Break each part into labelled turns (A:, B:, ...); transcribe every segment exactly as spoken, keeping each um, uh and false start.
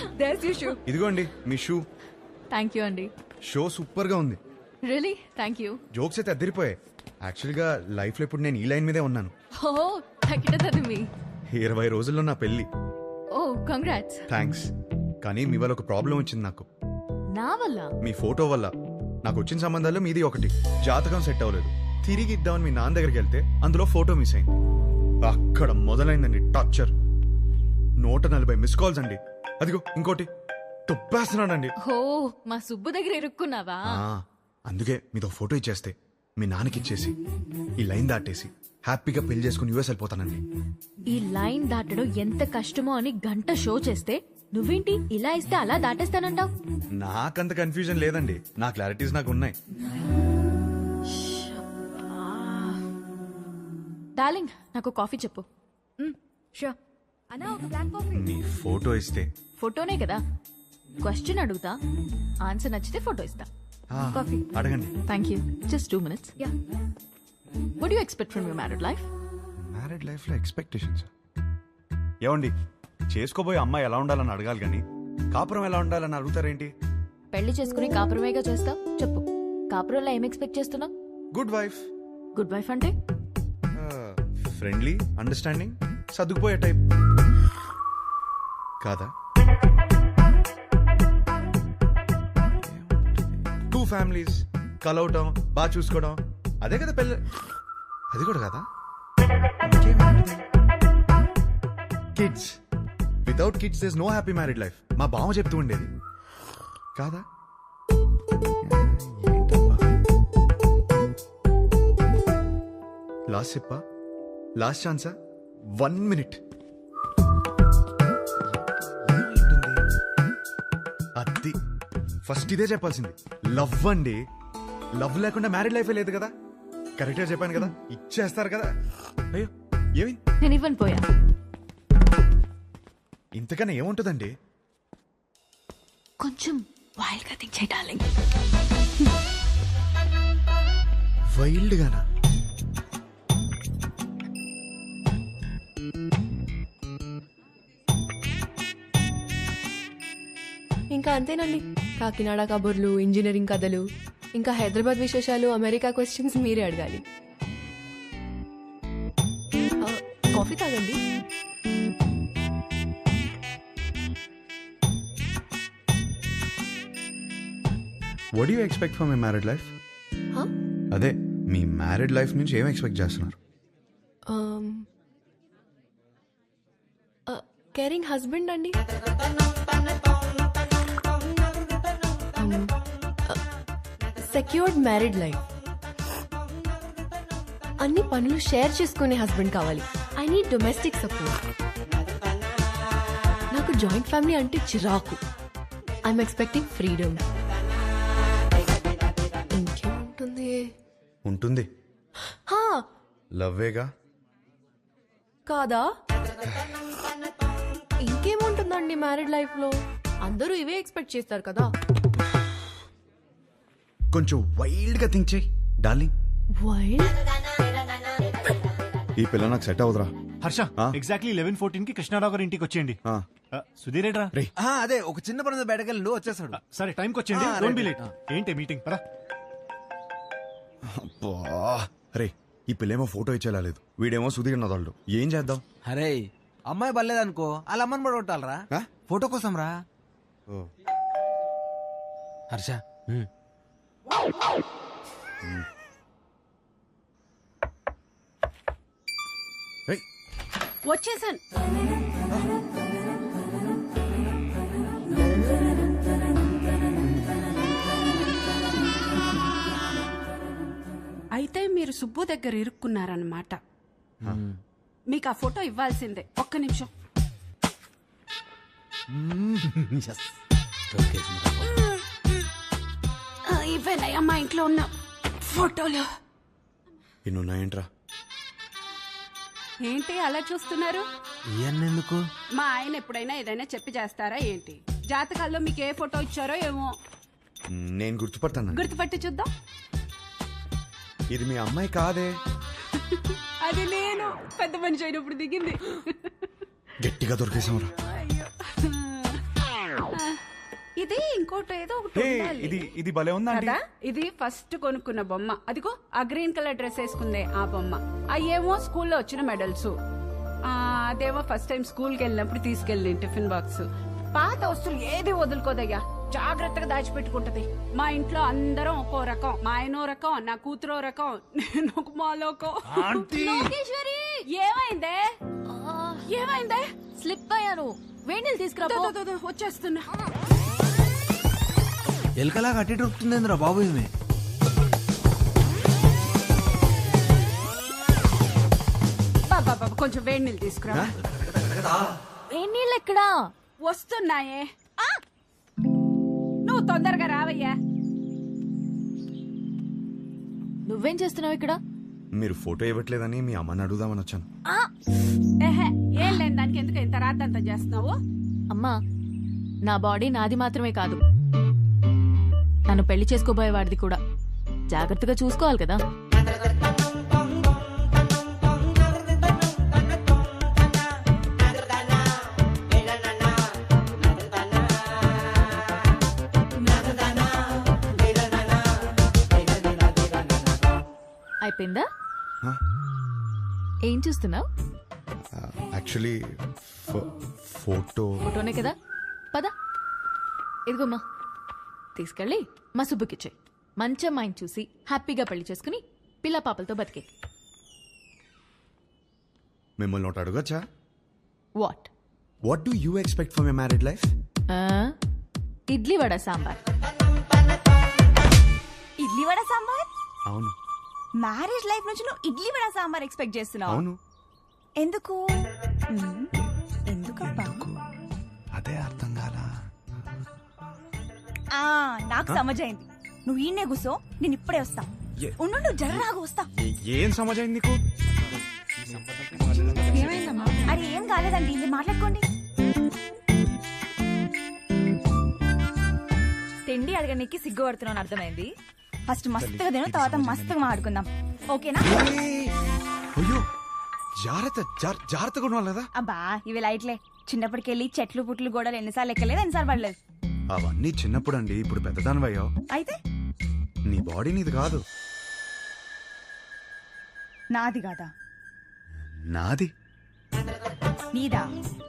A: There's your shoe.
B: ఇదిగోండి మీ shoe.
A: Thank you అండి.
B: షో సూపర్ గా ఉంది.
A: Really? Thank you.
B: జోక్స్ అయితే అద్దరిపోయాయి. యాక్చువల్గా లైఫ్ లో ఇప్పుడు నేను ఈ లైన్ మీదే ఉన్నాను.
A: Oh, తగ్గిటది మీ.
B: ఇరవై రోజుల్లో నా పెళ్లి.
A: Oh, congrats.
B: థ్యాంక్స్. కానీ మీ వల్ల ఒక ప్రాబ్లం వచ్చింది నాకు.
A: నా వల్ల?
B: మీ ఫోటో వల్ల. నాకు వచ్చిన సంబంధాల్లో మీది ఒకటి. జాతకం సెట్ అవ్వలేదు. తిరిగి ఇద్దామని మీ నాన్న దగ్గరికి వెళ్తే అందులో ఫోటో మిస్ అయింది. అక్కడ మొదలైందండి టార్చర్. నూట నలభై మిస్ కాల్స్ అండి. అదిగో ఇంకోటి తొప్పేస్తున్నానండి.
A: ఓ మా సుబ్బు దగ్గర ఇరుక్కున్నావా?
B: అందుకే మీతో ఫోటో ఇచ్చేస్తే మీ నాన్నకి ఇచ్చేసి ఈ లైన్ దాటేసి హ్యాపీగా పెళ్లి చేసుకుని యూఎస్ వెళ్ళిపోతానండి.
A: ఈ లైన్ దాటడం ఎంత కష్టమో అని గంట షో చేస్తే నువ్వేంటి ఇలా ఇస్తే అలా దాటేస్తానంటావు?
B: నాకంత కన్ఫ్యూజన్ లేదండి. నా క్లారిటీస్ నాకు ఉన్నాయి.
A: డార్లింగ్ నాకు కాఫీ చెప్పు. షూర్. అన్నా ఒక బ్లాక్ కాఫీ.
B: మీ ఫోటో ఇస్తే
A: ఫోటోనే కదా. క్వశ్చన్ అడుగుతా, ఆన్సర్ నచ్చితే ఫోటో ఇస్తా. కాఫీ
B: అడగండి.
A: Thank you. Just two minutes. Yeah. What you expect from your married life?
B: Married life లో ఎక్స్పెక్టేషన్స్ ఏమండి? చేసుకోబోయే అమ్మాయి ఎలా ఉండాలని అడగాలి కానీ కాపురం ఎలా ఉండాలని అడుగుతారేంటి?
A: పెళ్లి చేసుకుని కాపురమేగా చేస్తావు. చెప్పు, కాపురంలో ఏం ఎక్స్పెక్ట్ చేస్తున్నావు?
B: Good wife.
A: గుడ్ వైఫ్ అంటే
B: ఫ్రెండ్లీ, అండర్స్టాండింగ్, సర్దుకుపోయే టైప్ కాదా? టూ ఫ్యామిలీస్ కలవటం, బాగా చూసుకోవడం, అదే కదా పెళ్ళి. అది కూడా కదా. Kids. Without kids there is no happy married life. మా బావ చెప్తూ ఉండేది కాదా? లాస్ట్ చెప్పా, లాస్ట్ ఛాన్సా, వన్ మినిట్. అది ఫస్ట్ ఇదే చెప్పాల్సింది. లవ్ అండి. లవ్ లేకుండా మ్యారీడ్ లైఫే లేదు కదా. కరెక్ట్గా చెప్పాను కదా. ఇచ్చేస్తారు కదా. అయ్యో ఏమి
A: నేను ఇవ్వను పోయా.
B: ఇంతకన్నా ఏముంటుందండి?
A: కొంచెం వైల్డ్ గా థింక్ చేయి డార్లింగ్.
B: వైల్డ్ గానా?
C: ఇంకా అంతేనండి. కాకినాడ కబుర్లు, ఇంజనీరింగ్ కథలు, ఇంకా హైదరాబాద్ విశేషాలు, అమెరికా క్వశ్చన్స్ మీరే అడగాలి. కాఫీ తాగండి.
B: What you expect from my married life? అదే మీ మ్యారీడ్ లైఫ్ నుంచి ఏం ఎక్స్పెక్ట్ చేస్తున్నారు?
C: కేరింగ్ హస్బెండ్ అండి. Secured married life. అన్ని పనులు షేర్ చేసుకునే హస్బెండ్ కావాలి. I need domestic support. నాకు జాయింట్ ఫ్యామిలీ అంటే చిరాకు. I'm expecting freedom. ఇంకేముంటుంది?
B: ఉంటుంది. లవ్వేగా
C: కాదా? ఇంకేముంటుందండి మ్యారీడ్ లైఫ్ లో? అందరూ ఇవే ఎక్స్పెక్ట్ చేస్తారు కదా.
B: కొంచెం వైల్డ్ గా థింక్ చేయి డార్లింగ్.
C: వైల్డ్?
B: ఈ పిల్ల నాకు సెట్ అవుదరా.
D: హర్ష, ఎగ్జాక్ట్లీ లెవెన్ ఫోర్టీన్ కి కృష్ణారావు గారి ఇంటికి వచ్చేయండి. సుధీర్ ఏట్రా?
E: అదే ఒక చిన్న పని బయటకెళ్ళి వచ్చేసాడు.
D: సరే టైంకి వచ్చేయండి. Don't be late. ఏంటి మీటింగ్? పరా.
B: రే ఈ పిల్లేమో ఫోటో ఇచ్చేలా లేదు, వీడేమో సుధీర్ నదాళ్ళు. ఏం చేద్దాం?
E: అరే అమ్మాయి బలేదనుకో వాళ్ళ అమ్మని పడగొట్టాలరా ఫోటో కోసం రా. హర్ష
A: వచ్చేసాను.
F: అయితే మీరు సుబ్బు దగ్గర ఇరుక్కున్నారన్నమాట. మీకు ఆ ఫోటో ఇవ్వాల్సిందే. ఒక్క నిమిషం. ఇవేనయ్యా మా ఇంట్లో ఉన్న ఫోటోలు.
B: ఇన్నున్నాయంట్రా.
F: ఏంటి అలా చూస్తున్నారు?
E: ఎందుకు?
F: మా ఆయన ఎప్పుడైనా ఏదైనా చెప్పి చేస్తారా ఏంటి? జాతకాల్లో మీకు ఏ ఫోటో ఇచ్చారో ఏమో.
B: నేను గుర్తుపడతాను.
F: గుర్తుపట్టి చూద్దాం.
B: ఇది మీ అమ్మాయి కాదే.
F: అది నేను పెద్ద మనిషి అయినప్పుడు దిగింది.
B: గట్టిగా దొరికేసాంరా.
F: అయ్యో ఇది ఇంకోటి ఏదో ఒకటి
B: హే,
F: ఉండాలి.
B: ఇది ఇది భలే ఉందా ఆంటీ?
F: కదా ఇది ఫస్ట్ కొనుక్కున్న బొమ్మ. అదిగో ఆ గ్రీన్ కలర్ డ్రెస్ వేసుకుందే ఆ బొమ్మ. అయ్యేమో స్కూల్లో వచ్చిన మెడల్స్. ఆ అదేమో ఫస్ట్ టైం స్కూల్ కి వెళ్ళినప్పుడు తీసుకెళ్ళి టిఫిన్ బాక్స్. పాత వస్తువులు ఏది వదులుకోదయ్యా, జాగ్రత్తగా దాచిపెట్టుకుంటది. మా ఇంట్లో అందరం ఒక్కో రకం. మా ఆయనో రకం, నా కూతురో రకం, నేను ఒక మాలోకం.
A: లోకేశ్వరి
F: ఏమైందే ఏమైందే?
A: స్లిప్ అయ్యాను. వేణీలు తీసుకురా
F: దో,
A: పో.
F: దో, దో, దో, వచ్చేస్తున్నా.
E: ఎలకలా కట్టి దొరుకుతుందేంద్రా బాబు ఈమె.
F: బాబా బాబా కొంచెం వేడి నీళ్ళు తీసుకురా.
A: వేణీళ్ళు ఎక్కడా?
F: వస్తున్నాయే. ఆ! నువ్వు తొందరగా రావయ్యా.
A: నువ్వేం చేస్తున్నావు ఇక్కడ?
B: మీరు ఫోటో ఇవ్వట్లేదని మీ అమ్మని అడుగుదామని వచ్చాను.
A: ఆ!
F: ఏహే, ఏం లేని దానికి ఎందుకు ఇంత రాద్దంతా చేస్తున్నావు?
A: అమ్మా, నా బాడీ నాది మాత్రమే కాదు, నన్ను పెళ్లి చేసుకోబోయేవాడిది కూడా. జాగ్రత్తగా చూసుకోవాలి కదా. అయిపోయిందా?
B: హ?
A: ఏం చూస్తున్నావు?
B: యాక్చువల్లీ ఫోటో
A: ఫోటోనే కదా, పద. ఇదిగోమ్మా, తీసుకెళ్ళి మా సుబ్బుకిచ్చే. మంచి అమ్మాయిని చూసి హ్యాపీగా పెళ్లి చేసుకుని పిల్ల పాపలతో బతికే.
B: మిమ్మల్ని ఒకటి అడగచ్చా?
A: What?
B: What do you expect for my married life?
A: Idli vada sambar.
G: Idli vada sambar?
B: అవును
G: మ్యారేజ్ లైఫ్ నుంచి నువ్వు ఇడ్లీ వడ సాంబార్ ఎక్స్పెక్ట్ చేస్తున్నావు?
B: అవును
G: ఎందుకు? మ్మ్. ఎందుకబ్బా?
B: అదే అర్థం కాలా.
G: ఆ, నాకు సమజైంది. నువ్వు ఈయనే కూసో, నేను ఇప్పుడే వస్తా.
B: ఏ-
G: ఉండు నువ్వు జర్రాగా వస్తా.
B: ఏ- ఏం సమాజం నీకు?
G: అరే ఏం కాలేదండి, మీరు మాట్లాడుకోండి. తిండి అడగడానికి సిగ్గుపడుతున్నాను అర్థమైంది. ఫస్ట్ మస్తుగా తిను, తర్వాత మస్తుగా మాట్లాడుకుందాం, ఓకేనా?
B: ఏయ్! అయ్యో జాగ్రత్త జార్- జాగ్రత్తగా ఉండాలి కదా.
G: అబ్బా ఇవి లైట్లే. చిన్నప్పటికెళ్ళి చెట్లు పుట్లు గోడలు ఎన్నిసార్లు ఎక్కలేదు, ఎన్నిసార్లు పడలేదు.
B: అవన్నీ చిన్నప్పుడు అండి, ఇప్పుడు పెద్దదానివయ్యో.
G: అయితే
B: నీ బాడీ నీది కాదు,
G: నాది కాదా?
B: నాది.
G: నీదా?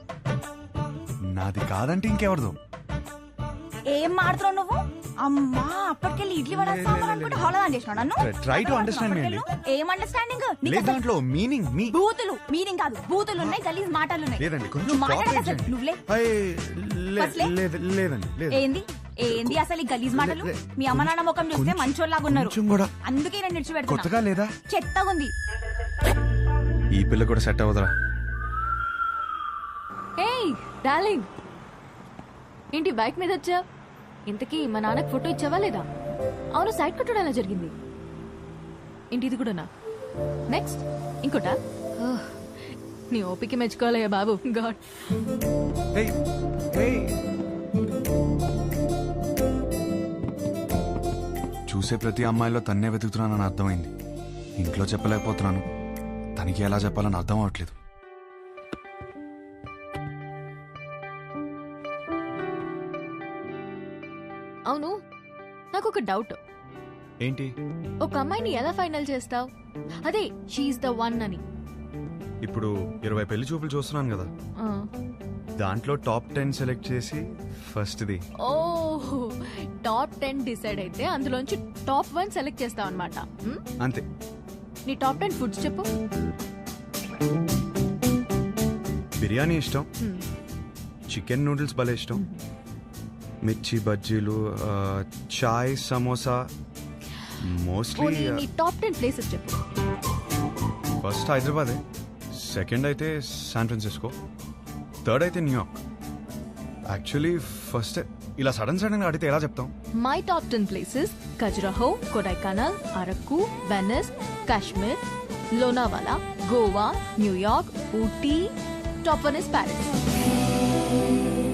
B: నాది కాదంటే ఇంకెవరిదో.
G: ఏం మాడుతున్నావు నువ్వు? అమ్మా అప్పటికెళ్ళి ఇడ్లీ వడ
B: లే,
G: సాంబార్
B: లే,
G: అనుకుంటే
B: లే.
G: హోళదా చేసినావు నన్ను.
B: Try to understand me, అండి.
G: ఏం అండర్స్టాండింగ్?
B: లేదు దాంట్లో మీనింగ్ మీ
G: బూతులు మీనింగ్ కాదు, బూతులు ఉన్నాయి, గలీజ్ మాటలు ఉన్నాయి.
B: లేదండి కొంచెం
G: నువ్వు మాట్లాడక
B: cooperate
G: అసలు
B: చేయండి.
G: నువ్వులే.
B: అయ్, లే-
G: ఫస్ట్లే?
B: లేదు- లేదండి లేదు.
G: ఏంది ఏంది అసలు ఈ గలీజ్ మాటలు?
B: లే-
G: మీ అమ్మ నాన్న ముఖం చూస్తే
B: కొంచెం-
G: మంచోళ్ళలాగా ఉన్నారు,
B: కొంచెం కూడా
G: అందుకే నేను నిడిచిపెడుతున్నా.
B: కొత్తగా లేదా?
G: చెత్తగా ఉంది.
B: ఈ పిల్ల కూడా సెట్ అవ్వదురా.
A: ఏయ్ డార్లింగ్, ఏంటి బైక్ మీద వచ్చా? ఇంతకీ మా నాన్నకి ఫోటో ఇచ్చావా లేదా? అవును, సైడ్ కొట్టడం ఎలా జరిగింది? ఏంటి ఇది కూడానా? నెక్స్ట్ ఇంకోటా? ఓహ్, నీ ఓపిక మెచ్చుకోవాలయ్యా బాబు. గాడ్.
B: ఏయ్, ఏయ్. చూసే ప్రతి అమ్మాయిలో తన్నే వెతుకుతున్నానని అర్థమైంది. ఇంట్లో చెప్పలేకపోతున్నాను, తనకి ఎలా చెప్పాలని అర్థం అవట్లేదు.
A: అవును, నాకు ఒక డౌట్.
B: ఏంటి?
A: ఒక అమ్మాయిని ఎలా ఫైనల్ చేస్తావు? అదే షీఈ్ ద వన్ అని.
B: ఇప్పుడు ఇరవై పెళ్లి చూపులు చూస్తున్నాను కదా,
A: ఆ.
B: దాంట్లో టాప్ టెన్ సెలెక్ట్ చేసి ఫస్ట్ది.
A: ఓహ్, టాప్ టెన్ డిసైడ్ అయితే అందులోంచి టాప్ వన్ సెలెక్ట్ చేస్తావు అనమాట.
B: అంతే.
A: నీ టాప్ టెన్ ఫుడ్స్ చెప్పు.
B: బిర్యానీ ఇష్టం,
A: Hmm.
B: చికెన్ నూడిల్స్ భలే ఇష్టం, మిర్చి బజ్జీలు, ఆ, చాయ్, సమోసా. మోస్ట్లీ
A: పోనీ నీ టాప్ టెన్ ప్లేసెస్ చెప్పు.
B: ఫస్ట్ హైదరాబాదే, సెకండ్ అయితే శాన్ ఫ్రాన్సిస్కో, థర్డ్ అయితే న్యూయార్క్. యాక్చువల్లీ ఫస్ట్ ఇలా సడన్ సడన్ గా అడిగితే ఎలా చెప్తాం?
A: My top ten places: Khajuraho, Kodaikanal, Araku, Venice, Kashmir, Lonavala, Goa, New York, Ooty. Top one is Paris.